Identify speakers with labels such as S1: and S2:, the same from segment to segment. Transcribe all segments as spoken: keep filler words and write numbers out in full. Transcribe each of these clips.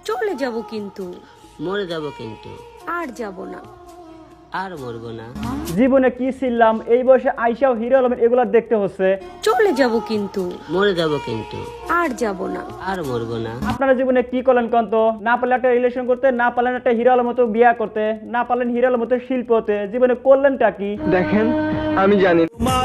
S1: চলে যাব কিন্তু
S2: মরে যাব কিন্তু
S1: আর যাব না
S2: আর মরবো না।
S3: জীবনে কি ছিলাম এই বয়সে আইসাও হিরো আলমের এগুলা দেখতে হচ্ছে।
S1: চলে যাব কিন্তু
S2: মরে যাব কিন্তু
S1: আর যাব না
S2: আর মরবো না।
S3: আপনারা জীবনে কি করলেন কন্ত? না পারলেন একটা রিলেশন করতে, না পারলেন একটা হিরো আলমের মতো বিয়া করতে, না পারলেন হিরো আলমের মতো শিল্প হতে, জীবনে করলেনটা কি?
S4: দেখেন আমি জানি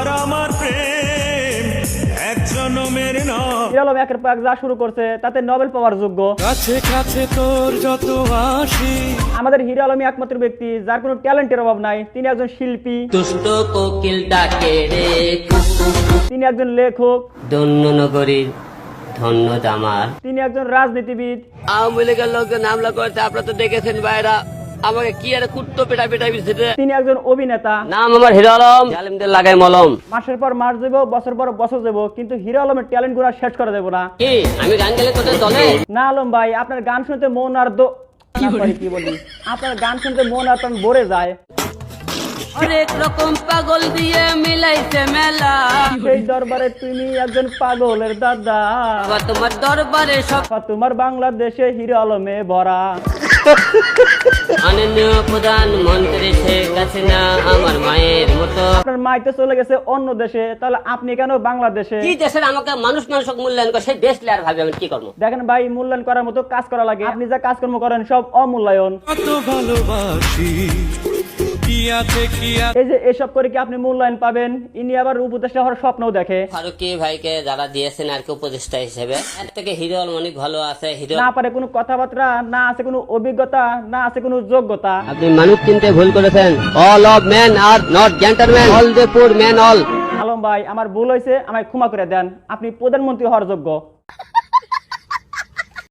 S3: হিরো আলম একের পর এক যা শুরু করছে তাতে নোবেল পাওয়ার যোগ্য।
S5: কাছে কাছে তোর যত আসি
S3: আমাদের হিরো আলমই একমাত্র ব্যক্তি যার কোনো ট্যালেন্টের অভাব নাই। তিনি একজন শিল্পী,
S2: দুষ্ট কোকিল ডাকে রে কুকু,
S3: তিনি একজন লেখক,
S2: ধন্য নগরীর ধন্য দামার।
S3: তিনি একজন রাজনীতিবিদ,
S2: আওয়ামী লীগের লোকজন হামলা করতে আপনারা তো দেখেছেন ভাইরা, আমাকে কি আর কুত্তো পেটা পেটা বিছিতে।
S3: তিনি একজন অভিনেতা।
S2: নাম আমার হিরো আলম, জালিমদের লাগাই মলম।
S3: মাসের পর মাস যাবো, বছর পর বছর যাবো, কিন্তু হিরো আলমের ট্যালেন্ট গুলা শেষ করে দেবো না।
S2: কি আমি গান গেলে তোদের দলে?
S3: না আলম ভাই, আপনার গান শুনতে মন আর দো না, sorry, কি বলি, আপনার গান শুনতে মন আর প্রাণ ভরে যায়।
S2: অনেক রকম পাগল দিয়ে মিলাইছে মেলা,
S3: সেই দরবারে তুমি একজন পাগলের দাদা।
S2: আবার তোমার দরবারে সব
S3: তোমার বাংলাদেশে হিরো আলমে ভরা।
S2: মাননীয় প্রধানমন্ত্রী শেখ হাসিনা আমার মায়ের মতো।
S3: আপনার মাই তো চলে গেছে অন্য দেশে, তাহলে আপনি কেন বাংলাদেশে?
S2: কি দেশের আমাকে মানুষ মানুষ মূল্যায়ন করে সেই দেশ আর ভাবে আমি কি করবো?
S3: দেখেন ভাই, মূল্যায়ন করার মতো কাজ করা লাগে। আপনি যা কাজকর্ম করেন সব অমূল্যায়ন।
S5: কত ভালোবাসি কি আছে কি আছে
S3: এই যে এসব করে কি আপনি মূল্যায়ন পাবেন? ইনি আবার উপদেষ্টা হওয়ার স্বপ্নও দেখে।
S2: ফারুকি ভাইকে যারা দিয়েছেন আর কি উপদেষ্টা হিসেবে, এর থেকে হিরো আলম অনেক ভালো আছে। হিরো
S3: না পারে কোনো কথাবার্তা, না আছে কোনো অভিজ্ঞতা, না আছে কোনো যোগ্যতা।
S2: আপনি মানুষ চিনতে ভুল করেছেন। All of men are not gentleman, all the poor men all.
S3: Alam ভাই, আমার ভুল হয়েছে, আমায় ক্ষমা করে দেন। আপনি প্রধানমন্ত্রী হওয়ার যোগ্য।